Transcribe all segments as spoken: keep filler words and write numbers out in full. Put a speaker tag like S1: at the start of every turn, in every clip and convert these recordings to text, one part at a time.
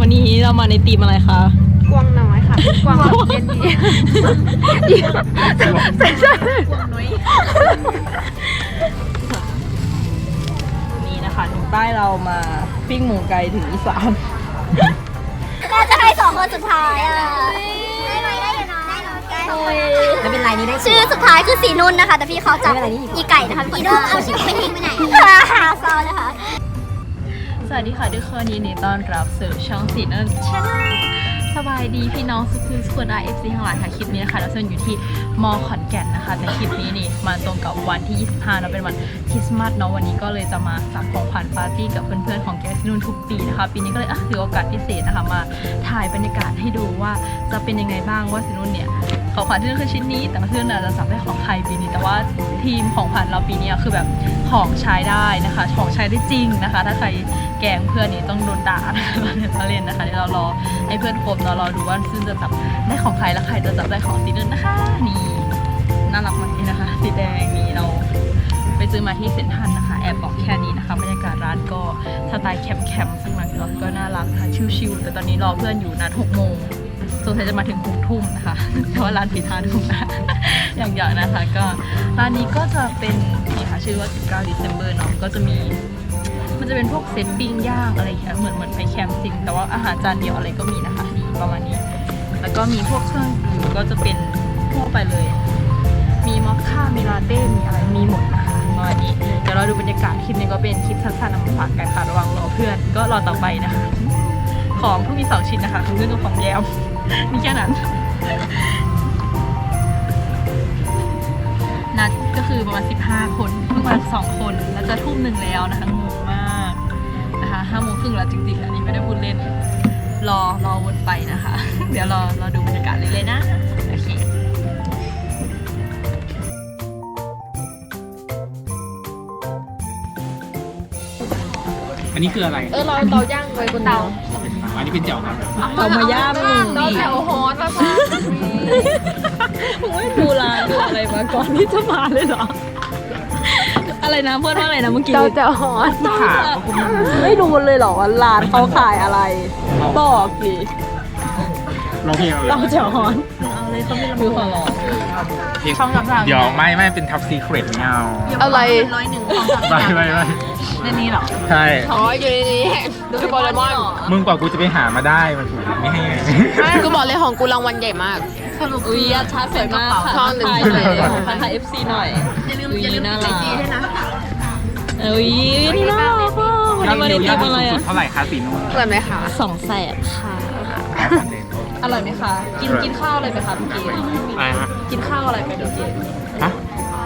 S1: วันนี้เรามาในธีมอะไรคะ
S2: กวางน้อยค่ะกวางแบบเย็นดีใช่ใช่กวางน้อย
S1: นี่นะคะถึงใต้เรามาปิ้งหมูไก่ถึงอีสาน
S3: เราจะให้สองคนสุดท้ายอ่ะได้ไหมได้อยู่นะไม่เป็นไรนี่ได้ชื่อสุดท้ายคือสีนุ่นนะคะแต่พี่เขาจับอีไก่นะคะอีนุ่นเอาชื่อไปทิ้งไปไหนหาซอนะคะ
S1: สวัสดีค่ะทุกคนยินดีต้อนรับสู่ช่องสีนุ่นชาแนลสบายดีพี่น้องสุขุมสุขได้เอฟซีทั้งหลายค่ะคลิปนี้นะคะเราส่วนอยู่ที่มอขอนแก่นนะคะแต่คลิปนี้นี่มาตรงกับวันที่ยี่สิบห้าเราเป็นวันคริสต์มาสเนาะวันนี้ก็เลยจะมาสั่งของขวัญปาร์ตี้กับเพื่อนๆของแกสีนุ่นทุกปีนะคะปีนี้ก็เลยอ่ะถือโอกาสพิเศษนะคะมาถ่ายบรรยากาศให้ดูว่าจะเป็นยังไงบ้างว่าสีนุ่นเนี่ยของขวัญที่นุ่นคือชิ้นนี้แต่เพื่อนๆจะสั่งได้ของใครปีนี้แต่ว่าทีมของขวัญเราปีนี้คือแบบของใช้ได้นะคะของใช้ได้จริงนะคะถ้าใครแกล้งเพื่อนนี่ต้องโดนด่าเราเล่นนะคะเดี๋ยวเรารอให้เพื่อนครบเนาะรอดูว่าซึ่งจะจับได้ของใครและใครจะจับได้ของสีนุ่นนะคะนี่น่ารักมากเลยนะคะสีแดงนี่เราไปซื้อมาที่เซ็นทรัลนะคะแอบบอกแค่นี้นะคะบรรยากาศร้านก็สไตล์แคมป์ๆซึ่งมันก็น่ารักค่ะชิลๆแต่ตอนนี้รอเพื่อนอยู่นัดหกโมงสงสัยจะมาถึงหกทุ่มนะคะแต่ว่าร้านปิดห้าทุ่มนะอย่างอย่างนะคะก็ร้านนี้ก็จะเป็นนี่ค่ะชื่อว่าสิบเก้า December เนาะก็จะมีมันจะเป็นพวกเซตปิ้งย่างอะไรอย่างเงี้ยเหมือนเหมือนไปแคมป์จริงแต่ว่าอาหารจานเดียวอะไรก็มีนะคะนี่ประมาณนี้แล้วก็มีพวกเครื่องดื่มก็จะเป็นทั่วไปเลยมีมอคค่ามีลาเต้มีอะไรมีหมดนะคะประมาณนี้เดี๋ยวเราดูบรรยากาศคลิปนี้ก็เป็นคลิปสั้นๆนำมาฝากกันค่ะระวังรอเพื่อนก็รอต่อไปนะคะของเพิ่งมีสองชิ้นนะคะของเพื่อนกับของแยมมีแค่นั้นนัดก็คือประมาณสิบห้าคนเพิ่งมาสองคนแล้วจะทุ่มหนึ่งแล้วนะคะงงมากนะคะห้าโมงครึ่งแล้วจริงๆอันนี้ไม่ได้พูดเล่นรอรอวนไปนะคะ เดี๋ยวรอรอดูบรรยากาศเลยเลยนะโอเค
S4: อันนี้คืออะไร
S2: เออเราเตาย่างไว้บนเตา
S4: อันนี้เป็นเจียวครับ
S1: เอามาย่างมึงดิ
S2: แถวฮอตแล้วค่ะ
S1: มึงไม่ดูร้านดูอะไรมาก่อนที่จะมาเลยเหรออะไรนะเพื่อนว่าอะไรนะเมื่อกี้
S2: เตาแถวฮอต
S1: ไม่ดูเลยเหรอว่าร้านเขาขายอะไรบอกดิ
S4: ร้องเพลงอะไร
S1: เราจะฮอนเอาเลยเขาไม่รับมือขอร้องช่องต่างๆ
S4: เดี๋ยวไม่ไม่เป็นท็อปซีเครตเงา
S2: อะไร
S1: ร้อยหนึ่งของต่างๆ
S4: ไม่ไม่ไม่
S1: ในนี้หรอ
S4: ใช่
S2: อ๋ออยู่ในนี้ดูโปเกมอน
S4: มึงกว่ากูจะไปหามาได้มันถูกไม่ให้
S2: กูบอกเลยของกูรางวัลใหญ่มาก
S1: สรุปอุ้ยชาร์จสวยมากค่ะ
S2: ช่องหนึ่ง
S1: เลยของพันธะ เอฟ ซี หน่อยอย่าลืมอย่าลืมไอจีด้วยนะเอ้ยนี่น่ารักอ่ะวันนี้มาในทีมอะไรอ่ะ
S4: เท่าไหร่คะสีนุ่น
S2: อร่อยไหมคะ
S1: สองแสนค่ะอร่อยไหมคะกินกินข้าวอะไรไปคะเมื่อกี้
S4: อะไรฮะ
S1: กินข้าวอะไรไปเมื่อกี้
S4: ฮะ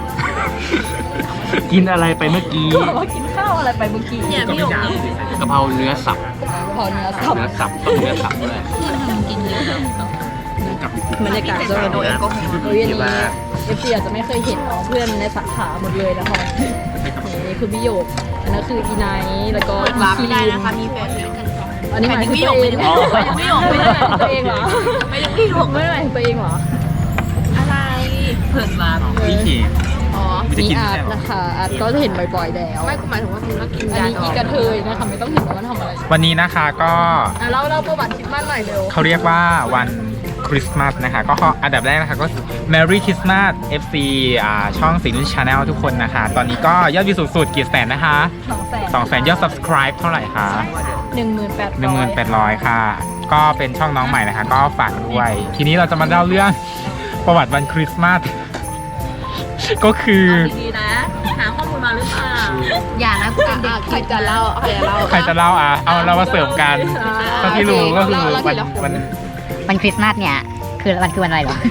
S4: กินอะไรไปเมื่อกี้
S1: ก็บอกว่ากินข้าวอะไรไปเมื่อกี้เนี่ยพี่หยก
S4: กะเพราเนื้อสับ
S1: กะเพราเนื้อสับ
S4: เนื้อสับต้องเนื้อสับด้วย
S1: กินเยอะบรรยากาศจะเป็นโดยแอลกอฮอล์โดยนี้เอฟซีอาจจะไม่เคยเห็นเพื่อนในสาขาหมดเลยนะคะนี่คือพี่โยกอันนั้นคืออีไนท์แล้วก็อีคีได้นะคะมีแฟนอันนี้หมายถึงตัวเองไม่หยกไม่ได้ตัวเองเหรอไม่ได้พี่หยกไม่ได้ตัวเองเหรออะไรเพิ่นมา
S4: พี่ขี่
S1: อ๋อมีอาร์ตนะคะอาร์ตก็จะเห็นบ่อยๆแล้ว
S2: ไม่กูหมายถึงว่าคุณนักกิน
S1: อันนี้อีกระเทยนะคะไม่ต้องเห็นว่ามันทำอะไร
S4: วันนี้นะคะก็
S1: เราเราประวัติคริสต์มาสหน่อยเร็ว
S4: เขาเรียกว่าวันคริสต์มาสนะคะก็อันดับแรกนะคะก็ Merry Christmas เอฟ ซี อ่าช่องสีนุ่น Channel ทุกคนนะคะตอนนี้ก็ยอดวิวสูงสุดกี่แสนนะคะสองแสนยอด Subscribe เท่าไหร่คะ
S1: หนึ่งหมื่นแปดร้อย
S4: หนึ่งหมื่นแปดร้อยค่ะก็เป็นช่องน้องใหม่นะคะก็ฝากด้วยทีนี้เราจะมาเล่าเรื่องประวัติวันคริสต์มาสก็คือ
S1: ดีๆนะหาข้อมูลมาหรือเปล่าอย่านะ
S2: ใครจะเล่าใครจะเล่า
S4: ใครจะเล่าอ่ะเอาเรามาเสริมกันก็ที่รู้ก็คือวันวัน
S5: วันคริสต์มาสเนี่ยคือวันคือวันอะไรหรอ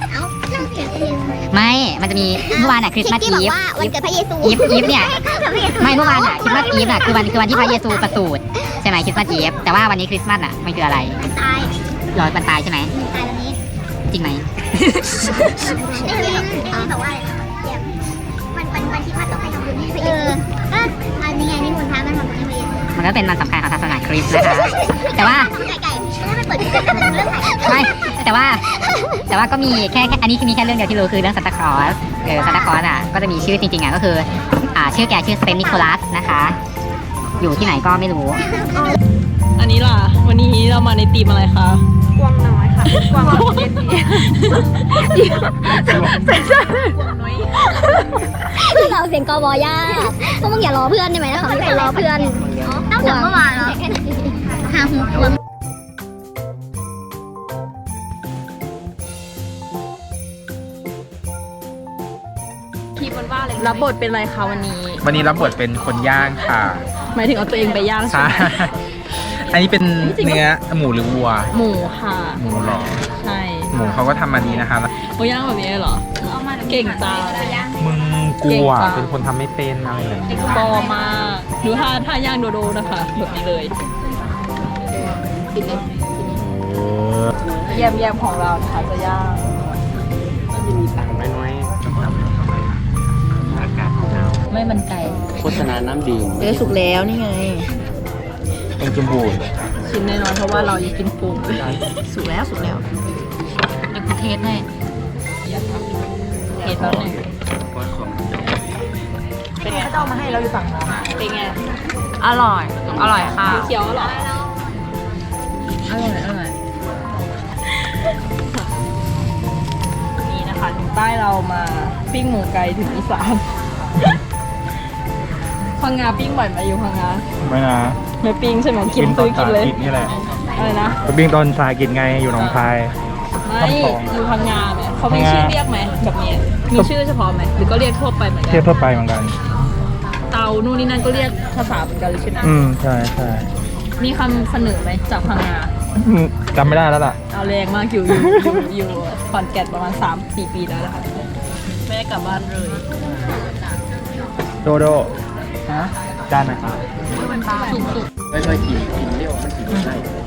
S5: ไม่มันจะมีเมื่อวานอะคริสต์มาสอีฟ
S3: วันเกิดพระเยซู
S5: อีฟอีฟเนี่ยไม่เมื่อวานอะคริสต์มาสอีฟอะคือวันคือวันที่พระเยซูประสูติใช่ไหมคริสต์มาสอีฟแต่ว่าวันนี้คริสต์มาสอะมันคืออะไร
S3: ตาย
S5: รอยวันตายใช่ไหม
S3: ตายวันนี้
S5: จริงไหม
S3: ไม่รู้ไม่รู้แต่ว่าวันวันวันที่พระต้องให้ทำบุญให้พระเยซูก็อันนี้ไงนี่มูลพระมันทำบุญให้พระเยซู
S5: มันก็เป็นวันสำคัญของศาสนาคริสต์นะคะแต่ว่า
S3: ไก่ไก่ไม่ไปเปิดเรื่อง
S5: ไไม่แต่ว่าแต่ว่าก็มีแค่อันนี้มีแค่เรื่องเดียวที่รู้คือเรื่องซานตาคลอสเออซานตาคลอสอ่ะก็จะมีชื่อจริงๆอ่ะก็คืออ่าชื่อแกชื่อเซนต์นิโคลัสนะคะอยู่ที่ไหนก็ไม่รู้
S1: อันนี้ล่ะวันนี้เรามาตีมอะไรคะ
S2: กวางน้อยค่ะกวางเย็นดี
S3: ที่เราเสียงกอบอย่าพวกมึงอย่ารอเพื่อนได้ไหมนะคะมีคนรอเพื่อนตั้งแต่เมื่อวานแล้วหาหูกวาง
S1: ทีมมันว่าอะไรรับบทเป็นอะไรคะวันนี้
S4: วันนี้รับบทเป็นคนย่างค่ะ
S1: หมายถึงเอาตัวเองไปย่างใช่
S4: ใช่
S1: ไหม
S4: อันนี้เป็นเนื้อหมูหรือวัว
S1: หมูค่ะ
S4: หมูหรอ
S1: ใช่
S4: หมูเขาก็ทำมาดีนะคะ
S1: เขาย่างแบบนี้เลยเหรอเก่งจัง
S4: มึงกลัว
S1: เก่งจัง
S4: เป็นคนทำไม่เป็นอะไรแบบนี้
S1: ปอมากดูท่าท่าย่างโดโดนะคะแบบนี้เลย
S4: เออ
S1: แยมแยมของเรานะคะจะย่าง
S4: น้อยๆอากาศหนาว
S1: ไม่มันไก่
S6: โฆษณาน้ำดื่ม
S1: เออสุกแล้วนี่ไง
S4: เป็นจมูก
S1: ชิมแน่นอนเพราะว่าเราอยากกินปูสุกแล้วสุกแล้วเดี๋ยวกูเทสให้เทสแล้วหนึ่งเป็นไงเขาเอามาให้เราอยู่ฝั่งนู้นเป็นไงอร่อยอร่อยค่ะเขียวอร่อยอร่อยอร่อยนี่นะคะถึงใต้เรามาปิ้งหมูไก่ถึงอีสานพังงาปิ้งบ่อยไหมอยู่พังงา
S4: ไม่นะ
S1: ไม่ปิ้งใช่ไหมกินซื้อกินเลย
S4: นี่แหละ
S1: อะไรนะ
S4: ก็ปิ้งตอนทรายกินไงอยู่หนองคาย
S1: ไม่อยู่พังงาไหมเขามีชื่อเรียกไหมแบบนี้มีชื่อเฉพาะไหมหรือก็เรียกทั่วไปเหมือนกั
S4: เทียบทั่วไปเหมือนกัน
S1: เตานู่นนี่นั่นก็เรียกภาษาเหมือนกันเลยใช่ไหม
S4: อืมใช่ใช่
S1: มีคำเสนอไหมจากพังงา
S4: อืมจำไม่ได้แล้วล่ะ
S1: เอาแรงมากอยู่อยู่อยู่อยู่ขอนแก่นประมาณสามสี่ปีแล้วนะคะไม่ได้กลับบ้านเลย
S4: โดโดฮะจานไหนครับ
S1: สุด
S6: ไม่ค่อยกินกินเรียกว่ามันกินไม่ได้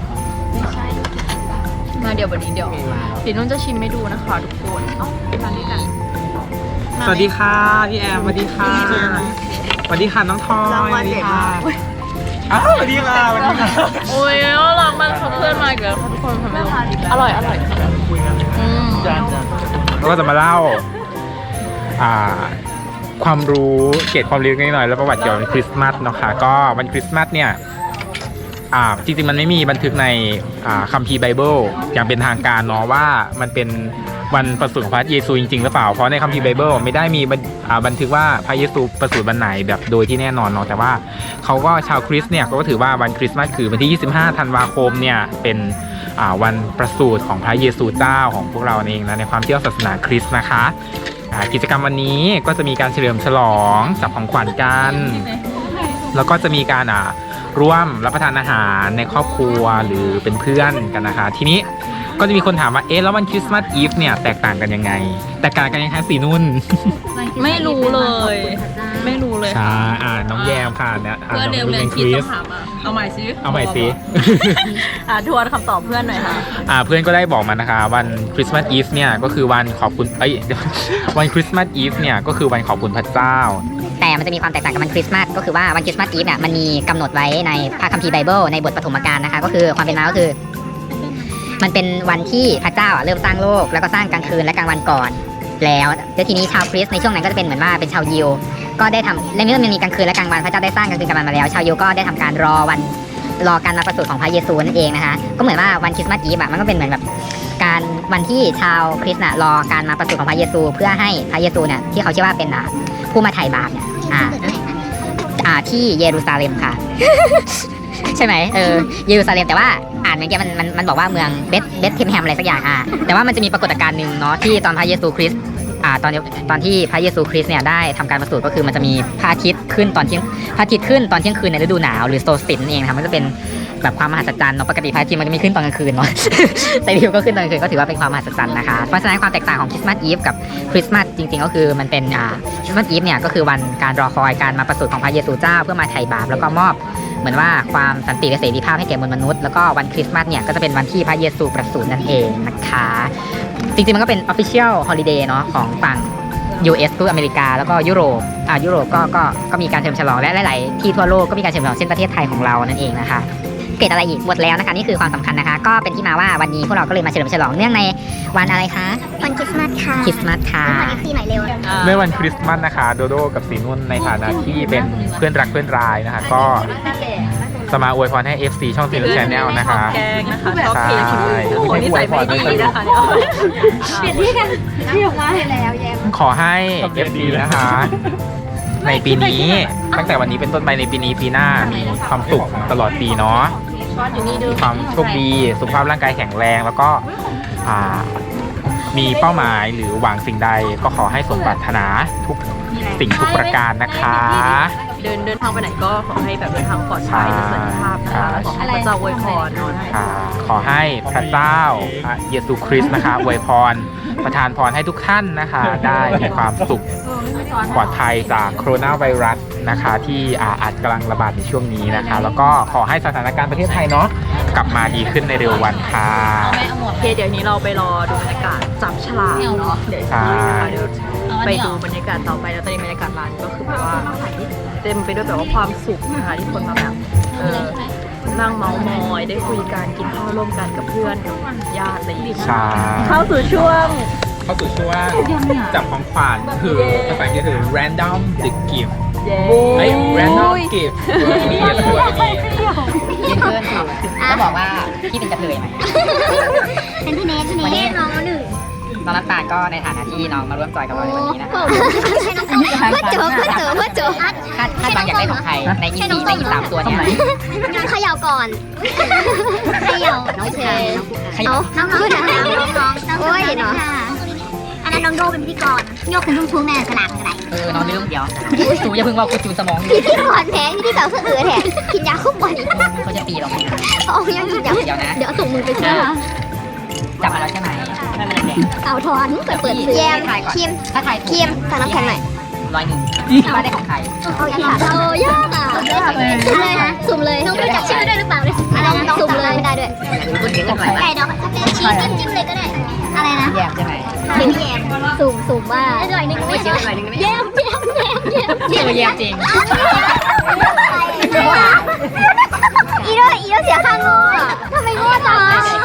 S1: ๆมาเดี๋ยววันนี้เดี๋ยวเดี๋ยวนุ่นจะชิมให้ดูนะคะทุกคนเอ้ามาด้วยกัน
S4: สวัสดีค่ะพี่แอมสวัสดีค่ะสวัสดีค่ะน้องทอยสวัสดีค่ะอ้าวสวัสดีค่ะสวัสดีค่ะ
S1: โอ้ยน่ารักมากเขาเพื่อนมาอีกแล้วค่ะทุกคนทำไมอร่อยอร่อยอืม
S4: เราก็จะมาเล่าอ่าความรู้เกร็ดความรู้นิดหน่อยแล้วประวัติเกี่ยวกับวันคริสต์มาสเนาะค่ะก็วันคริสต์มาสเนี่ยอ่าจริงๆมันไม่มีบันทึกในอ่าคัมภีร์ไบเบิลอย่างเป็นทางการเนาะว่ามันเป็นวันประสูติของพระเยซูจริงๆหรือเปล่าเพราะในคัมภีร์ไบเบิลไม่ได้มีบันอ่าบันทึกว่าพระเยซูประสูติวันไหนแบบโดยที่แน่นอนเนาะแต่ว่าเขาก็ชาวคริสต์เนี่ยก็ถือว่าวันคริสต์มาสคือวันที่ยี่สิบห้าธันวาคมเนี่ยเป็นอ่าวันประสูติของพระเยซูเจ้าของพวกเราเองนะในความเชื่อศาสนาคริสต์นะคะอ่ากิจกรรมวันนี้ก็จะมีการเฉลิมฉลองจับของขวัญกันแล้วก็จะมีการอ่าร่วมรับประทานอาหารในครอบครัวหรือเป็นเพื่อนกันนะคะทีนี้ก็จะมีคนถามว่าเอ๊ะแล้ววันคริสต์มาสอีฟเนี่ยแตกต่างกันยังไงแตกต่างกันยังไงสีนุ่น
S1: ไม่รู้เลย ไม่รู้เลย
S4: ใช่อ่าน้องแยมค่ะเนี่ยอ่า
S1: เพื่อน
S4: น้
S1: เดิ
S4: อง
S1: ม
S4: ลู
S1: เรี
S4: ก
S1: ยน
S4: เป็นค
S1: คิด
S4: ริ
S1: ต้อ
S4: ส
S1: งถามมาเอาใหม่ซิ
S4: เอาใหม่สิ
S1: อ่าทวนคำตอบเพื่อนหน่อยค่ะ
S4: อ่าเพื่อนก็ได้บอกมานะคะวันคริสต์มาสอีฟเนี่ยก็คือวันขอบคุณเอ้ย เดี๋ยววันคริสต์มาสอีฟเนี่ยก็คือวันขอบคุณพระเจ้า
S5: แต่มันจะมีความแตกต่างกับวันคริสต์มาสก็คือว่าวันคริสต์มาสอีฟเนี่ยมันมีกำหนดไว้ในพระคัมภีร์ไบเบิลในบทปฐมกาลนะคะก็คือความเป็นมาก็คือ มันเป็นวันที่พระเจ้าอ่ะเริ่มสร้างโลกแล้วก็สร้างกลางคืนและกลางวันก่อนแล้วแล้วทีนี้ชาวคริสต์ในช่วงนั้นก็จะเป็นเหมือนว่าเป็นชาวยิวก็ได้ทำและเมื่อมันมีกลางคืนและกลางวันพระเจ้าได้สร้างกลางคืนกลางวันมาแล้วชาวยิวก็ได้ทำการรอวันรอการมาประสูติของพระเยซูนั่นเองนะคะก็เหมือนว่าวันคริสต์มาสอีฟอะมันก็เป็นเหมือนแบบการวันที่ชาวคริสต์น่ะรอการมาประสูติของพระเยซู เพื่อให้พระเยซูเนี่ยที่เขาเชื่อว่าเป็นอ่ะผู้มาไถ่บาปเนี่ยอ่าอ่าที่เยรูซาเล็มค่ะ ใช่ไหมเออเยรูซาเล็มแต่ว่าอ่านเมื่อกี้มันมันมันบอกว่าเมืองเบธเบธเทมแฮมอะไรสักอย่างอ่ะแต่ว่ามันจะมีปรากฏการณ์หนึ่งเนาะที่ตอนพระเยซูคริสต์อ่าตอนตอนที่พระเยซูคริสต์เนี่ยได้ทำการประสูติก็คือมันจะมีพระอาทิตย์ขึ้นตอนเที่ยงพระอาทิตย์ขึ้นตอนเที่ยงคืนในฤดูหนาวหรือโซลสติสนั่นเองนะครับมันจะเป็นแบบความมหัศจรรย์เนาะปกติพระอาทิตย์มันจะไม่ขึ้นตอนกลางคืนเนาะ แต่ดิวก็ขึ้นตอนกลางคืนก็ถือว่าเป็นความมหัศจรรย์นะคะเพราะฉะนั้นความแตกต่างของคริสต์มาสอีฟกับคริสต์มาสจริงๆก็คือมันเป็นอ่าคริสต์มาสอีฟเนี่ยก็คือวันการรอคอยการมาประสูติของพระเยซูเจ้าเพื่อมาไถ่บาปแล้วก็มอบเหมือนว่าความสันติและเสรีภาพให้แก่มวลมนุษย์แล้วก็วันคริสต์มาสเนี่ยก็จะเป็นวันที่พระเยซูประสูตินั่นเองนะคะจริงๆมันก็เป็น official holiday เนาะของฝั่ง ยู เอส คืออเมริกาแล้วก็ยุโรปอ่ายุโรปก็ก็ก็มีการเฉลิมฉลองและหลายๆที่ทั่วโลกก็มีการเฉลิมฉลองเช่นประเทศไทยของเรานั่นเองนะคะเกิดอะไรอีกหมดแล้วนะคะนี่คือความสำคัญนะคะก็เป็นที่มาว่าวันนี้พวกเราก็เลยมาเฉลิมฉลองเนื่องในวันอะไรคะ
S3: วันคริสต์มาสค่ะ
S5: คริสต์มาสค่ะ
S3: วันเอฟซีหน่อยเร็ว
S4: เมื่อวันคริสต์มาสนะคะโดโดกับสีนุ่นในฐานะที่เป็นเพื่อนรักเพื่อนรายนะคะก็สจะมาอวยพรให้ เอฟ ซี ช่องสีนุ่น Channel นะคะ
S1: แกงนะคะชอบเทคนอื่น
S4: ใช่
S1: โอ้โหนี่ใส่ไม่ดีนะคะเนี่ยเปลี่ยนที่กันที่ออกมาแล้วแย่
S4: ขอให้ เอฟ ซี นะคะ ในปีนี้ตั้งแต่วันนี้เป็นต้นไปในปีนี้ปีหน้ามีความสุขตลอดปีเนาะมีความโชคดีสุขภาพร่างกายแข็งแรงแล้วก็อ่ามีเป้าหมายหรือหวังสิ่งใดก็ขอให้สมปรารถนาทุกสิ่งทุกประการนะคะ
S1: เดินเดินทางไปไหนก็ขอให้แบบเดินทางปลอดภัยและสวัสดิภาพนะคะแล้วขอให้พระเจ้าอวยพรเนาะ
S4: ค่ะขอให้พระเจ้าพระเยซูคริสต์นะคะอวยพรประทานพรให้ทุกท่านนะคะ ได้มีความสุขปลอดภัยจากโคโรนาไวรัสนะคะ ที่อาอาจกำลังระบาดในช่วงนี้นะคะ แล้วก็ขอให้สถานการณ์ประเทศไทยเนาะกลับมาดีขึ้นในเร็ววันค่ะ
S1: โอเคเดี๋ยวนี้เราไปรอดูบรรยากาศจับฉลากเนาะเดี๋ยว
S4: ใช่
S1: เดี๋ยวไปดูบรรยากาศต่อไปแล้วตอนนี้บรรยากาศร้านก็คือแบบว่าเต็มไปด้วยแบบว่าความสุขนะคะที่คนมาแบบเออนั่งเมาส์มอยได้คุยกันกินข้าวร่วมกันกับเพื่อนกับญาติอะไรอย่างเงี้ย
S4: ใช่
S1: เข้าสู่ช่วง
S4: เข้าสู่ช่วงจับของขวัญคือภาษาอังกฤษคือ random the gift
S1: เย้
S4: ไอ้ random gift ตัวนี้ตัวนี้
S5: ยืนเพื่อนถูกจะบอกว่าพี่เป็นกระเทยไหม
S3: เป็นพี่เนทพี่เนทน้องหนึ่ง
S5: น้องน้ำตาลก็ในฐานะที่น้องมาร่วมจอยกับเราในวันนี้นะคะ
S3: เพื่อเจอเพื่อเจอเพื่อเจอ
S5: คาดคาดบางอยากได้ของใครในยี่สี่ในยี่สามตัวเนี่ย
S3: งานเขย่าก่อนเขย่าน้องเชย
S5: ขยับ
S3: น้องน้องน้องน้องโอ้ยเนาะอันนั้นน้องโดเป็นพิธีกรโยกคุณชุ่มชุ่มแม่สลากอะไร
S5: เออน้องลืมเดี๋ยวจูอย่าเพิ่งว่ากูจูนสมอง
S3: พิธีกรแพ้พิธีกรคือเอือแทนกินยาคุกบอล
S5: เขาจะตีเราไหม
S3: เอายังกินยา
S5: เดี๋ยวนะ
S3: เดี๋ยวส่งมือไปเชื่อ
S5: จับมาแล้วใช่ไหม
S3: เอาทอนเปิดเปิดแยมคิม
S5: ถ้าทาย
S3: คิมสั่งน้ำแข็งหน่อย
S5: ร้อยหนึ่งว่าได้ของใคร
S3: เอายากเอายากอ่ะสุ่มเลยนะสุ่มเลยน้องรู้จักชื่อด้วยหรือเปล่าเลยสุ่มเลยไม่ได้ด้วย
S5: คุณเลี้ยงของใคร
S3: ไก่ดอกชี้จิ้มจิ้มเลยก็ได้อะไรนะ
S5: แยมใช่ไหม
S3: เขียนแยมสุ่มสุ่มว่าอร่อยนึงไม่ใช่
S5: อร่อยนึงไม่
S3: แยมแยมแยมแยม
S5: เจอแยมจริง
S3: อีโดอีโดเสียค่าโง่ทำไมโง่จัง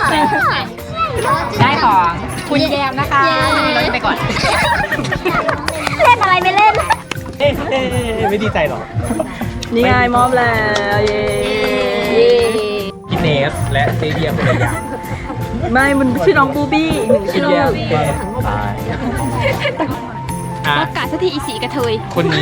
S5: ได้ของคุณแยมนะคะเราจะไปก่อน
S3: เล่นอะไรไม่เล่น
S4: เอ๊ะไม่ดีใจหรอ
S1: นี่ไงมอบแล้วเย้
S4: พี่เนสและเจเดียภรรยา
S1: ไม่มันชื่อน้องบูบี้อีกหนึ่งชื่อ
S4: ตายอ่ะ
S2: ประกาศสักทีอีสีกระเทย
S4: คนนี้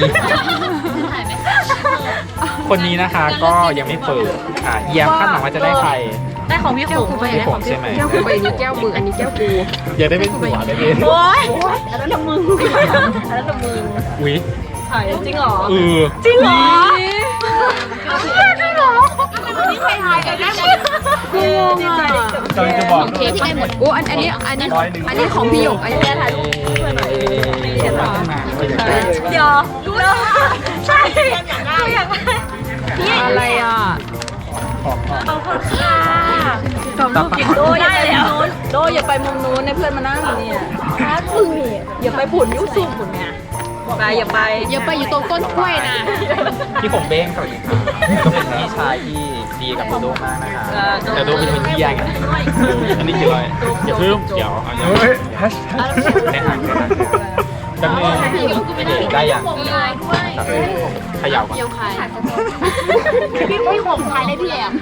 S4: คนนี้นะคะก็ยังไม่เปิดอ่ะเยี่ยมคาดหวังว่าจะได้ใคร
S1: ได้ของพี่ขุ่ม
S4: พี่ผมใช่ไหม
S2: แก้วกูใบนี้แก้วมืออันนี้แก้วกู
S4: อยากได้เป็นผัวได้ไหม
S1: โอ๊ยอันนั้นละมึงอันนั้นละมึง
S4: อุ๊ย
S1: ถ่ายจริงเหรอ
S4: เออ
S1: จริงเหรอจริงเหรอนี่ใครถ่ายกันได้หมดกูงงอ่ะ
S4: จอยจะบอก
S2: เคที่ได้หมดโอ้อันอันนี้อันนี้อันนี้ของพี่หยกอันนี้ถ่ายรูป
S4: เห็นหรอ
S1: เดี๋ยวรู้แล้วใช่อยากได้อยากได้
S2: อะไรอ่ะ
S1: ขอบคุณค่ะ
S4: ต่อไป
S1: โดอย่าไปมุมนู้นโดอย่าไปมุมนู้นในเพื่อนมานั่งอยู่เนี่ยครับมึงอย่าไปผุนยุสุผุนเนี่ยไปอย่าไป
S2: อย่าไปอยู่ตรงต้นกล้วยนะ
S4: พี่ผมเบ้งสวัสดีครับก็เป็นพี่ชายที่ดีกับโดมากนะคะแต่โดเป็นคนที่ยังอันนี้คืออะไรอย่าเพิ่มเดี๋ยวเอาอย่างนี้แนะนำเลยจังเลยได้ยังขยับก่อน
S2: เกี่ยวใคร
S3: พี่พี่ผมขายได้พี่แอม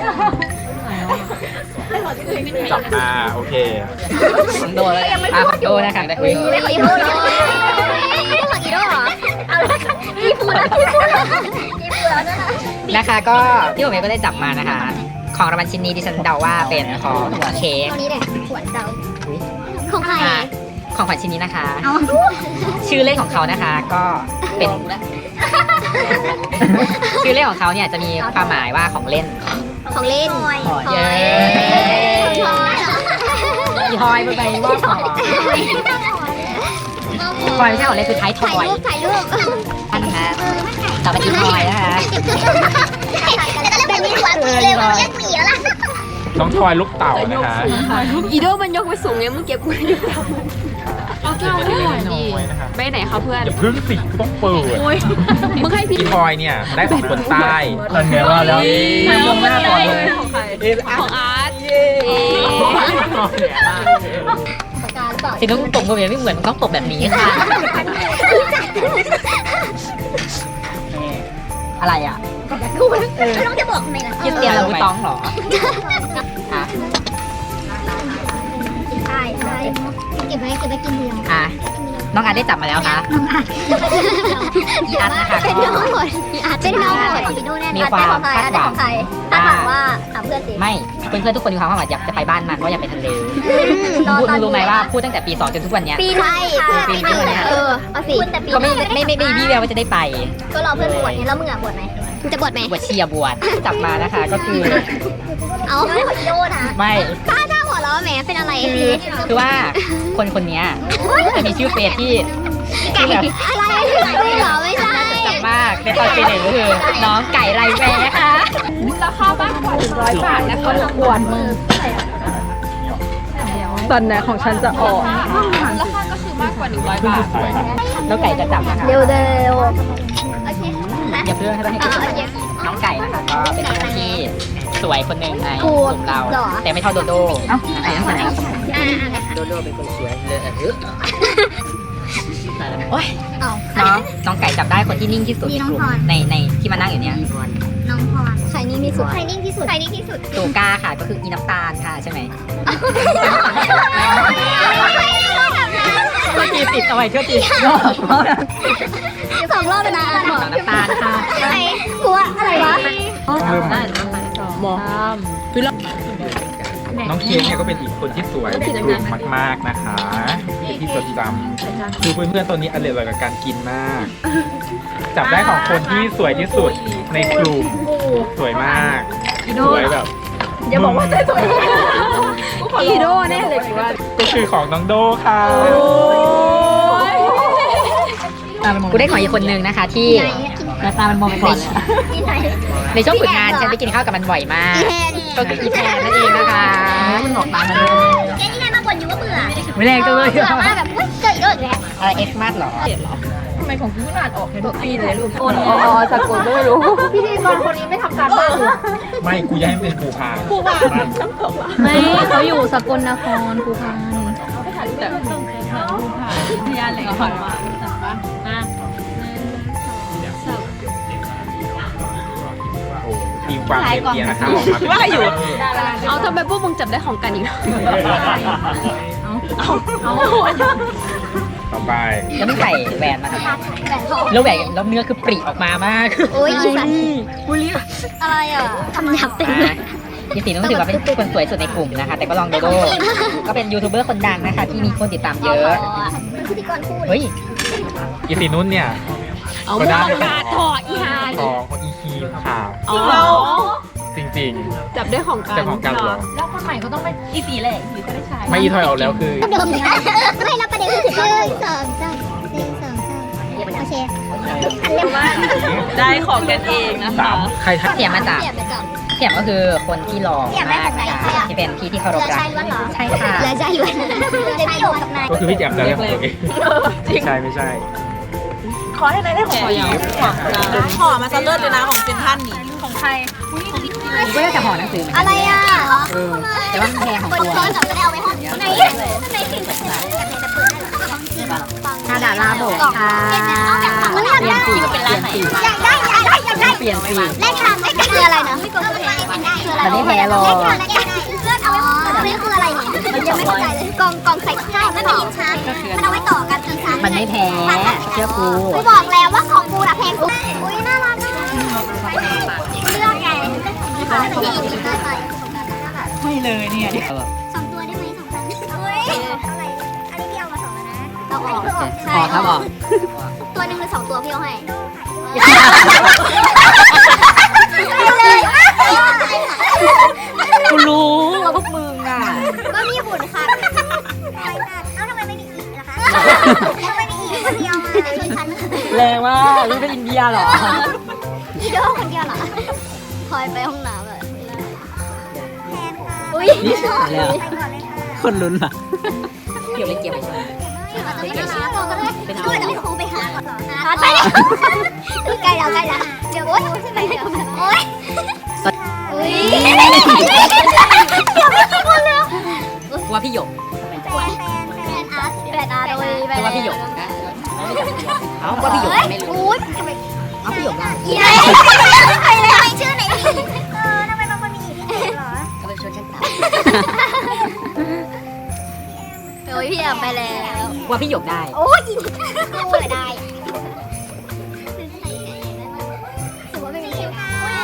S4: จับมาโอเค
S5: โดนเลยอ่ะโดนนะคะได้คุย
S3: อีโดเหรออีโดเหรอเอาละค่ะอีฟูแล้วอีฟูแล้วอีฟูแล้วนะ
S5: นะคะก็ที่ผมเองก็ได้จับมานะคะ ของรางวัลชิ้นนี้ดิฉันเดาว่าเป็นของเค้ก
S3: ตรงนี้เนี่ยขวดเดาของใคร
S5: อ่ะของขวัญชิ้นนี้นะคะ
S3: เอา
S5: ชื่อเล่นของเขานะคะก็เป็น ชื่อเล่นของเขาเนี่ยจะมีความหมายว่าของเล่น
S3: ของเล่น
S5: เย้ อีทอยไปว่าของทอยไม่ใช่ของเล่นคือท้ายท
S3: ถ่าย
S5: อย
S3: รูปถ่ายรูป
S5: อันนะคะต่อไปอีทอยนะคะ
S3: แบบนี้หัวมือเลยมันเรียกหมีแล้วล่ะ
S4: น้องทอยลูกเต่านะคะ
S2: อีโดมันยกไปสูงเนี่ยมึงเก็บกูอยู่เอาแก้วให้หน่อยดิไปไหนคะเพื่อน
S4: อย่าพึ่งสิต้องเปิด
S2: มึงให้พี่
S4: พี่ทอยเนี่ยได้ของคนใต้
S6: นั่นไงว่าแล้ว
S4: ไม่มองหน้าก่อนเลย
S1: ของใคร
S2: ของอาร์ต
S5: สิต้องตบมือแบบไม่เหมือนต้องตบแบบนี้ค่ะอะไรอ่ะ
S3: ไม่ต้องจะบอกทำไมล่ะ
S5: คริสเตียนลูต้องเหรอฮะ
S3: ใช่ใช่เก็บไว้เก็บไว้กินเดียว
S5: อ่ะน้องอาร์ตได้จับมาแล้วคะอีอาร์ตนะคะ
S3: เป็นน้องหมดเป็นน้องหมดพี่โน่แน่นอนได้ของใครได้ของใครถ้าถามว่าถามเพื่อนสิ
S5: ไม่เพื่อนๆทุกคนมีความหวังอยากจะไปบ้านมันว่าอยากไปทะเล
S3: รอ
S5: พูด
S3: ตอน
S5: รู้ไหมว่าพูดตั้งแต่ปีสองจนทุกวันเนี้ย
S3: ปีใช่ปีนี้เออเอาสิแต่ปี
S5: ก็ไม่ไม่ไม่ไม่มีวี่แววว่าจะได้ไป
S3: ก็รอเพื่อนบวชไงแล้วมึงอ่ะบวชไหมมึงจะบวชไหม
S5: บวชเชียร์บวชจับมานะคะก็คือ
S3: เอาไม่ขอโยนนะ
S5: ไม่
S3: ถ้าถ้าหัวเราะแหมเป็นอะไร
S5: คือคือว่าคนคนเนี้ยจะมีชื่อเฟซที่
S3: ไก่อะไรไม่เหรอไม่ใช่
S5: จับมากในตอนปีหนึ่งก็คือน้องไก่ไรแวร์นะคะ
S1: ราคาบ้านกว่าหนึ่งร้อยบาทนะคะรบกวนมือตอนไหนของฉันจะออกราคาก็คือมากกว่าหนึ่งร้อยบาท
S5: แล้วไก่จะจับนะคะ
S3: เร็วเร็วโอเค
S5: อย่าเพิ่งให้ต้องให้
S3: อ๋
S5: ดู
S3: อโอเค
S5: น้องไก่นะคะก็เป็นคนที่สวยคนหนึ่งใน
S3: กู
S5: กลุ่มเรา
S3: เหรอ
S5: แต่ไม่เท่าโดโดเอ้าไอ้ยังไง
S3: อ่า
S5: โดโดเป็นคนสวยเลยโอ้ย
S3: เอา
S5: น้องน้องไก่จับได้คนที่นิ่งที่สุดในกลุ่มในในที่มานั่งอยู่เนี่ย
S3: น้องพรใครนิ่งที่สุดใครนิ่งที่สุดใครนิ่งที่สุด
S5: ตูก้าค่ะก็คืออีน้ำตาลค่ะใช่ไหมช่วยตีติดเอาไว้ช่วยตี
S3: สองรอบเลยนะ
S5: น้องน้ำตาลค่ะ
S3: ใครกลัวอะไรวะ
S1: หมอ
S4: น้องเค้กเนี่ยก็เป็นอีกคนที่สวยในกลุ่มมากๆนะคะเป็นที่จดจำคือเพื่อนๆตอนนี้อร่อยกับการกินมาก จับได้ของคนที่สวยที่สุดในกลุ่มสวยมากสวยแบบ
S1: อย่าบอกว่าสวยอีโดแน่เลยว่า
S4: ก็คือของน้องโดค่ะ
S5: กูได้ของอีกคนนึงนะคะ ที่หน้าตามันมองไปก่อนเลย
S3: ที่ไหน
S5: ในช่วงฝึกงานฉันไปกินข้าวกับมันบ่อยมาก
S3: อีแทน
S5: ก็คืออีแทนนั่นเองนะคะมันหลอกตามันเลย
S3: แกนี่ไงมาบ่นอยู่ว่าเบื่อ
S5: ไม่แรงจังเลย
S3: เบื่อมากแบบอุ้ยเกิดอีกแล้วอีกแล้ว
S5: อะไรเอ็กซ์มาร์หรอ
S1: ทำไมของกูอ่านออกในทุกปีเลยลูกอ๋อสกุลไม่รู้ พี่ดีกรคนนี้ไม่ทำการบ้าน
S4: ไม่กูอยากให้เป็นภูพาน
S2: ไม่เขาอยู่สกลนครภูพาน
S1: แต่ต้องเป็นผู้ผ่านพยานอะไรก่อนมาแต่ว่าอ่ะ
S4: โอ้มีความเรียบๆนะคะออกมาเป็น
S1: ว่าอยู่เอาทำไมพวกมึงจับได้ของกันอีกแล้วเอาเอาเอา
S4: ต่อไป
S5: แล้วมันใส่แหวนมาทำไม
S3: แหวนทอง
S5: แล้วแหวนแล้วเนื้อคือปริออกมามาก
S3: โอ้ยอีสันอะไรอ่ะทำหยับเต็มเลย
S5: ยี่สีต้องถือว่าเป็นคนสวยสุดในกลุ่มนะคะ แต่ก็ลองโดโดก็เป็นยูทูบเบอร์คนดังนะคะ ที่มีคนติดตามเยอะ
S3: เป็นพิธีกรคู่เล
S5: เฮ้
S3: ย
S5: ย
S4: อีสีนุ่นเนี่ย
S1: เอา
S4: ก็ได้
S1: กาดถอดอีหาน
S4: ของอีคีมค่ะ
S1: จริงเรา
S4: จริง
S1: จับได้ของ
S4: ๆ
S1: กัน
S4: แต่ของการหรอ
S1: แล้วคนใหม่ก็ต้องเป็นอีสีแหละอีสีจะได้ใช้
S4: ไม่อีทอยออกแล้วคือ
S3: เดิมเลยไม่แล้วประเด็นคือถึงหนึ่งสองสามหนึ่งสองสามโอเคอันเร็วมาก
S1: ได้ของกันเองนะ
S4: สา
S1: คะ
S4: มใครทัก
S5: เสียมาจาก
S3: เสียบไปก่อน
S5: เสียมก็คือคนที่หล่อ
S3: เสียมได้
S5: มาก
S3: จากไหน
S5: นะคะ
S3: คะ
S5: ที่เป็นพี่ที่เคารพ
S3: เรือ
S5: รั
S3: ชาย
S5: ก
S3: ล้วนเหรอ
S5: ใช่ค่ะ
S3: เรือชายล้วนเรือชายล้วนกับนาย
S4: ก็คือพี่แจ่มจะเรียกของตัวเองไม่ใช่ไม่ใช่
S1: ขอให้นายได้ของขออย่างขอมาซะเลิศเลยนะของเซนทันนี่ของใคร
S5: ผมก็ได้จะห่อหนังสือเหมือนกั
S3: อะไรอ่ะ
S5: แต่ว่ามันแพงของ
S3: บน
S5: ตัว
S3: ซ้อนกับไม่ได้เอาไว้ห้องไหนไหนถึงจะเปิดให้หรอ
S5: นาดาลาโบกค่ะ
S3: เปลี่ยนสี
S5: เปลี่ยนสี
S3: อยากได้อยากได้อยากได้
S5: เปลี่ยนสี
S3: แลกทางแลกคืออะไรนะไม่กดคืออะไรคืออะไร
S5: มันไม่แพ้หรอก
S3: แลกทางแลกได้เพื่อนเอาไว้ไม่คืออะไรเนี่ยมันยังไม่เข้าใจเลยกองกองใส่ใช่ไม่เป็นลิ้นชักมันเอาไว้ต่อกันคือชัก
S5: มันไม่แพ้เชื่อกู
S3: กูบอกแล้วว่าของกูน่ะแพงสุดอุ้ยน่ารักเลือกไงที่อีกที่ไป
S5: ไม่เลยเนี่ย
S3: สองตัวได้ไหมสองพันเฮ้ยอะไรอันนี้พี่เอามาสองแล้วนะเอาออก
S5: พอครับบอก
S3: ตัวหนึ่งหรือสองตัวพี่เอาให้
S5: กูรู้ว่าพวกมึงอ่ะ
S3: ก็มีบุญค่ะเอ้าทำไมไม่มีอีกนะคะทำไมมีอีกคนเดียวมาชนชั้น
S5: แรงมากรู้เป็นอินเดียเหรอ
S3: อีโดคนเดียวเหรอคอยไปห้องน้ำเลยอุ้ย
S5: แล้วคนลุ้นอ่ะเกี่ยวเล่นเกมไปใช่ไหม
S3: ไม่ได้นะบอกกันเลยด้วยจะไม่ครูไปหาก่อนหาไปแล้วใกล้แล้วใกล้แล้วเดี๋ยวโอ๊ยใช่ไหมเดี๋ยวโอ๊ยอุ้ยเดี๋ยวไม่คนแล้ว
S5: ว่าพี่หยก
S3: แฟนแฟนอาร์ตแฟนอาร์ตโดย
S5: ว่าพี่หยกนะเอาว่าพี่หยกไม่รู้
S3: อุ้ย
S5: เอาพี่หยกนะ
S3: อีไพี่แอมไปแล้ว
S5: ว่าพี่หยกได้
S3: โอ้ยจริงกูเลยได้ถือว่าไม่มีชื่อ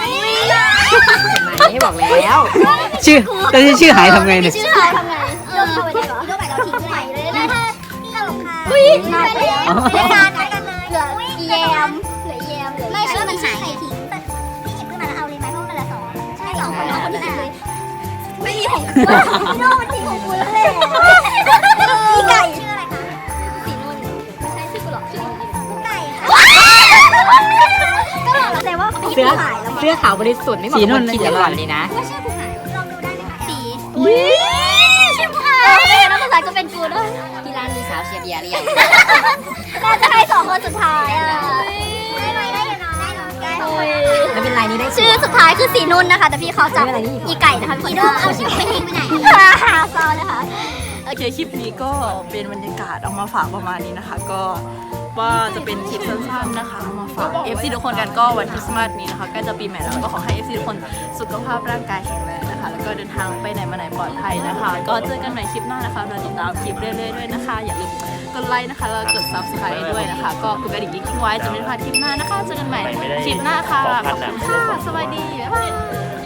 S5: ไม่บอกแล้ว ชื่อแต่ชื่อหายทำไงเนี่ย
S3: ชื่อหายทำไงโดนเข้าไปได้เหรอโดนไปเราทิ้งไปเลยนะถ้าพี่ตลกค่ะอุ้ยไปแล้วไปการไปกันเลยเหลือแยมเหลือแยมเหลือไม่ชื่อมันหายใครทิ้งแต่พี่หยิบขึ้นมาแล้วเอาเลยไหมเพราะมันเหลือสองใช่สองคนน้องคนที่หยิบเลยไม่มีของกูพี่โน่มันทิ้งของกูแล้วแหละพี่ไก่ชื่ออะไรคะสีนุ่นไม่ใช่ชื่อกูหรอกชื่อกูไก่ค่ะก็บอกแล้วแต่ว่า
S5: เสื้อเสื้อขาวบริสุทธิ์ไม่เหมาะกับคนคิดเดี๋ยวก่อนเลยนะ
S3: ว่าชื่อกูหายลองดูได้ไหมคะสีอุ้ยชื่อกูหายแล้วภาษาก็เป็นกูด้วย
S5: ที่ร้านมีสาวเชียร์เบียร์หรือยัง
S3: น่าจะให้สองคนสุดท้ายอ่ะได้ไหมได้อยู่นะได้เนาะได้สองคน
S5: ไม่เป็นไรนี่ได้
S3: ชื่อสุดท้ายคือสีนุ่นนะคะ แต่พี่เขาจับอีไก่นะคะพี่โดเอาชื่อไปทิ้งไปไหนเศร้าเลยค่ะ
S1: โอเคคลิปนี้ก็เป็นบรรยากาศเอามาฝากประมาณนี้นะคะ ก็ว่าจะเป็นคลิปสั้นๆนะคะเอามาฝาก เอฟ ซี ทุกคนกันก็วันคริสต์มาสนี้นะคะใกล้จะปีใหม่แล้วก็ขอให้ เอฟ ซี ทุกคนสุขภาพร่างกายแข็งแรงนะคะแล้วก็เดินทางไปไหนมาไหนปลอดภัยนะคะ ก็เจอกันใหม่คลิปหน้านะคะเราติดตามคลิปเรื่อยๆด้วยนะคะอย่าลืมกดไลค์นะคะแล้วกด ซับสไครบ์ ด้วยนะคะก็กดกระดิ่งกิ๊งๆไว้จะไม่พลาดคลิปหน้านะคะเจอกันใหม่คลิปหน้าค่ะขอบคุณค่ะสวัสดีบ๊ายบาย